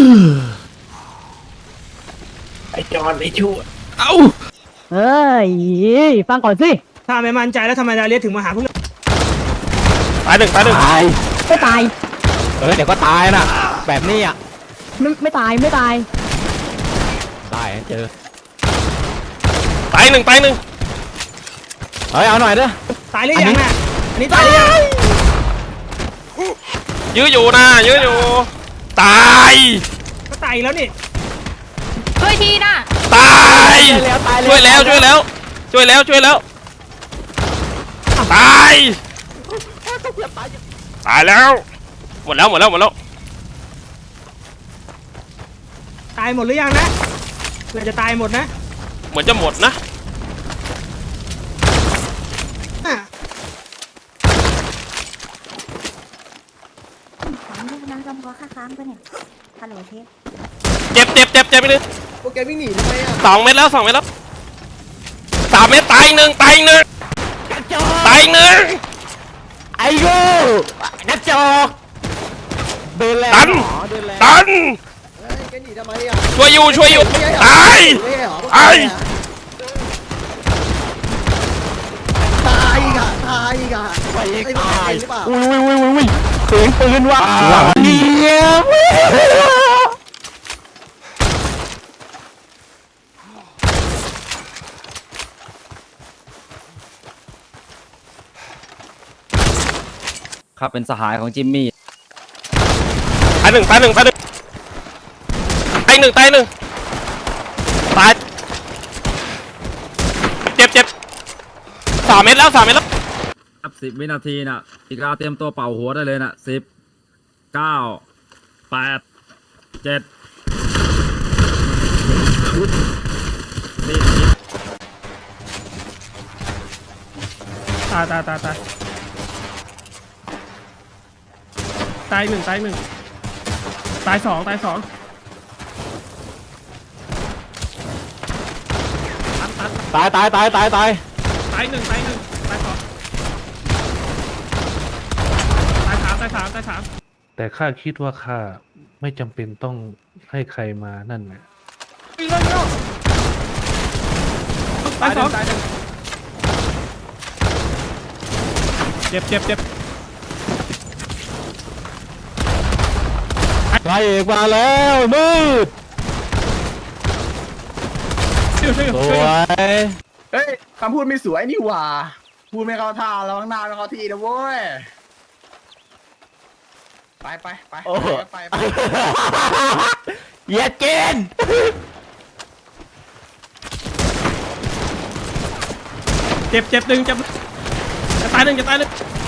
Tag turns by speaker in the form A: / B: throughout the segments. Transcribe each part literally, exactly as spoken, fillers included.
A: ไอจอนไอชูเอ้า
B: เฮ้ยฟังก่อนสิ
C: ถ้าไม่มั่นใจแล้วทำไมดาเลียถึงมาหาพวกเรา
A: ตายหนึ่งตายหนึ่ง
B: ตายไม่ตาย
A: เออเดี๋ยวก็ตายนะแบบนี้อ่ะ
B: ไม่ไม่ตายไม่ตาย
A: ตายเจอตายหนึ่งตายหนึ่งเฮ้ยเอาหน่อยเด้อ
C: ตายหรือยังน่ะอันนี้ตายหรือยัง
A: ยื้ออยู่นะยื้ออยู่ตาย
C: ก็ตายแล้วนี่
D: ช่วยทีนะ
A: ตายช่วยแล้วช่วยแล้วช่วยแล้วช่วยแล้วตายตายแล้วหมดแล้วหมดแล้วหมดแล้ว
C: ตายหมดหรือยังนะเราจะตายหมดนะ
A: เหมือนจะหมดนะ
D: ของลูกนะจำเพาะข้าค้างไปเนี่ยฮัลโหลเทป
A: เจ็บเจ็บเจ็บเจ็บไปเลย
E: โปรแกรมวิ่งหนีทำไมอ่ะ
A: สองเม็ดแล้วสองเม็ดแล้วสามเม็ดตายหนึ่งตายหนึ่งตายหนึ่ง
B: ไอ้โง่นักจอก
A: เดินแล้วตันตัน
E: แกหนีทำไมอ่ะ
A: ช่วยอยู่ช่วยอยู่ตาย
E: ตายตายอีกอ่ะตายอีกอ่ะ
B: ไปตายอุ้ยอุ้ยอุ้ยอุ้ยปืนปืนว่ะเยี่ยม
F: ครับเป็นสหายของจิมมี่
A: ตายหนึ่งตายหนึ่งตายหนึ่งตายหนึ่งตายหนึ่งตายเจ็บเจ็บสามเม็ดแล้วสามเม็ดแล้ว
F: ครับสิบวินาทีน่ะอีกาเตรียมตัวเป่าหัวได้เลยน่ะสิบเก้าแปดเจ็ด
C: ตายตายตายตายตายหนึ่งตายหนึ่งตายสองตายสอง
A: ตายตายตายตายตาย
C: ตายหนึ่งตายหนึ่งตายสองตายสามตายสามตายสาม
G: แต่ข้าคิดว่าข้าไม่จำเป็นต้องให้ใครมานั่นไง
C: ตายสองเจ็บเจ็บเจ็บ
A: ไล่เอกมาแล้วมืด
C: สวย
E: เฮ้ยคำพูดไม่สวยนี่หว่าพูดไม่เข้าท่าแล้วข้างหน้าไม่เข้าที่นะเว้ยไปไปไปไปไป
A: อย่าเกณฑ์เจ็บเจ็บหนึ่งเจ็บจะตายหนึ่งจะตายหนึ่ง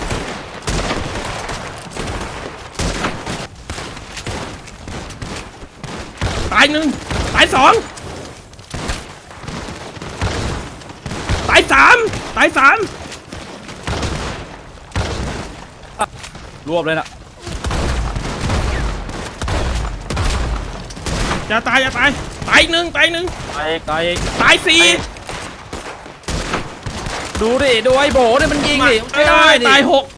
A: ตายหนึ่งตายสองตายสามตายสาม
F: รวบเลยนะ
A: จะตายจะตายตายหนึ่งตายหนึ่ง
F: ตายตาย
A: ตายสี่
F: ดูดิดูไอ้โบเนี่ยมันยิงดิ
A: ไม่ได้ตายหก